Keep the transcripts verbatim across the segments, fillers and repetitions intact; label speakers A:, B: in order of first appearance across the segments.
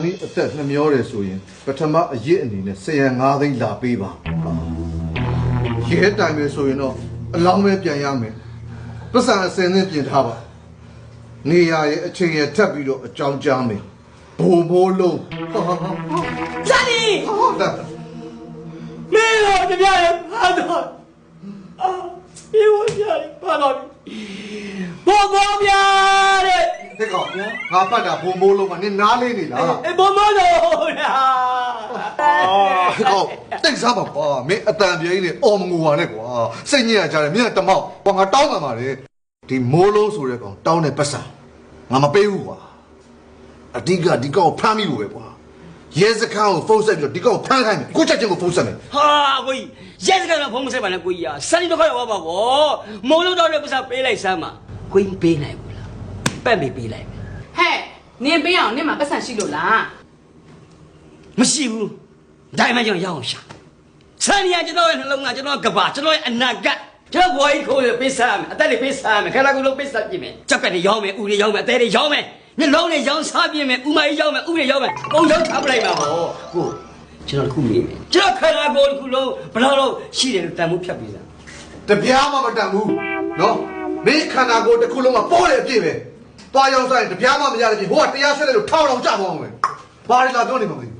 A: ဒီအသက်နှမျောတယ်ဆိုရင်ပထမအရစ်အနေနဲ့ဆယ်ရန်ငါးသိန်းလာပေးပါရဲတိုင်ပဲဆိုရင်တော့အလောင်းပဲပြန်ရမယ်ပတ်စံအစင်းနဲ့ပြင်ထားပါနေရရဲ့အချိန်ရထပ်ပြီးတော့အကြောင်းကြားမယ်ဘိုးဘိုးလုံး
B: ဇာနီ
A: ဟုတ်တယ်
B: မင်းတို့ကြပြရပါတော့အာပြေဝပြရပါတော့ဘိုးဘိုးပြတဲ့
A: တဲ့ကောင်ငါပတ်တာဘိုးဘိုးလုံးကနင်နားလေးနေလား
B: အေးဘိုးဘိုးလုံးလား
A: အာကောင်တိတ်စားပါကွာမင်းအတန်ပြေးနေအော်မငူပါနဲ့ကွာစိတ်ညစ်ရကြတယ်မင်းကတမောက်ကွာငါတောင်းမှန်ပါလေဒီမိုးလုံးဆိုတဲ့ကောင်တောင်းတဲ့ပတ်စံငါမပေးဘူးကွာအဓိကဒီကောင်ဖမ်းမိလို့ပဲကွာရဲစခန်းကိုဖုန်းဆက်ပြီးတော့ဒီကောင်ဖမ်းခိုင်းမယ်ကိုချက်ချင်းကိုဖုန်းဆက်မယ်
B: ဟာကိုကြီးရဲစခန်းကဖုန်းမဆက်ပါနဲ့ကိုကြီးอ่ะစနီတော့ခေါ်ရပါဗောမိုးလုံးတော့လည်းပတ်စံပေးလိုက်စမ်းပါကိုကြီးပေးနိုင်ဘူးလားပတ်ပြီးပေးလိုက်
C: ဟဲ့နင်ပေးအောင်နင်မှာပတ်စံရှိလို့လား
B: မရှိဘူးဒါမှကျွန်တော်ရအောင်ရှာစနီကကျွန်တော်ရဲ့နှလုံးသားကျွန်တော်ကဘာကျွန်တော်ရဲ့အနာဂတ်ကျွန်တော်ဘွားကြီးခိုးရပေးစားမယ်အသက်တွေပေးစားမယ်ခန္ဓာကိုယ်လုံးပေးစားပြင်မယ်ကြက်ပက်တွေရောင်းမယ်ဥတွေရောင်းမယ်အသေးတွေရောင်းမယ်နှလုံးတွေရောင်းစားပြင်မယ်ဥမကြီးရောင်းမယ်ဥတွေရောင်းမယ်ပုံရောင်းထားပလိုက်ပါဗောကိုကျွန်တော်တခုမေးမယ်ကျွန်တော်ခန္ဓာကိုယ်တစ်ခုလုံးဘယ်လောက်ရှိတယ်လို့တန်ဖို့ဖြတ်ပေးစား
A: တပြားမှမတန်ဘူးနော်မင်းခန္ဓာကိုယ်တစ်ခုလုံးကပိုးတယ်အပြည့်ပဲသွားရောက်ဆိုင်တပြားမှမရတဲ့ပြင်ဟိုကတရားဆွဲတယ်လို့ထောင်းအောင်ကြသွားအောင်ပဲဘာလဲလာပြောနေမှာမသိဘူး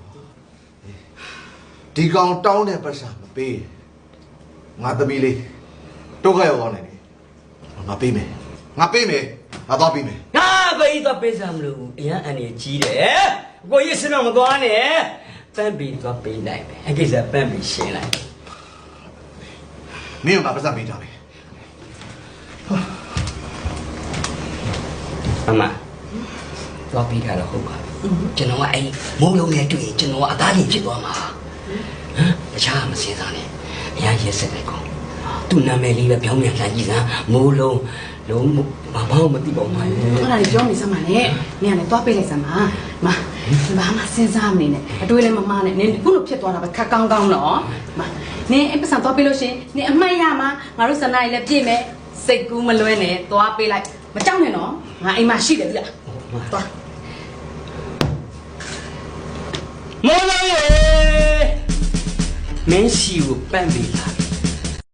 A: ဒီကောင်တောင်းတဲ့ပတ်စံမပေးငါသမီးလေးဒုက္ခရောက်သွားနိုင်တယ်ငါပေးမယ်ငါပေးမယ်ငါသွားပေးမယ်
B: ငါကိုကြီးသွားပေးစားမလို့အရန်အန်ရကြီးတယ်ကိုကြီးစတော့မသွားနဲ့ပန်းပြီးသွားပေးနိုင်မယ်အကိစ္စပန်းပြီးရှင်းလိုက်
A: မင်းကပတ်စံပေးထားမယ်
B: အမတော့ပြီးတာတော့ဟုတ်ပါကျွန်တော်ကအဲ့မိုးလုံးနဲ့တွေ့ရင်ကျွန်တော်ကအသားကြီးဖြစ်သွားမှာဟမ်တခြားမစင်စားနဲ့အရရက်စက်လိုက်ကောင်သူ့နာမည်လေးပဲပြောင်းပြန်လာကြည့်စမ်းမိုးလုံးလုံးမမောင်းမသိပါဘူးမှာ
C: အဲ့ဒါကြီးပြောနေစမ်းပါနဲ့နင်ကလည်းသွားပေးလိုက်စမ်းပါမဘာမှစဉ်းစားမနေနဲ့အတွေးလည်းမမနဲ့နင်ခုလိုဖြစ်သွားတာပဲခက်ကောင်းကောင်းတော့မနင်အဲ့ပတ်စံသွားပေးလို့ရှင်နင်အမှတ်ရမှာငါတို့စနားကြီးလည်းပြည့်မယ်စိတ်ကူးမလွဲနဲ့သွားပေးလိုက်မကြောက်နဲ့နော်ငါအိမ်မှာရှိတယ်ဗျာသွား
B: မိုးလုံးရေမင်းစီကိုပန့်ပေးလာ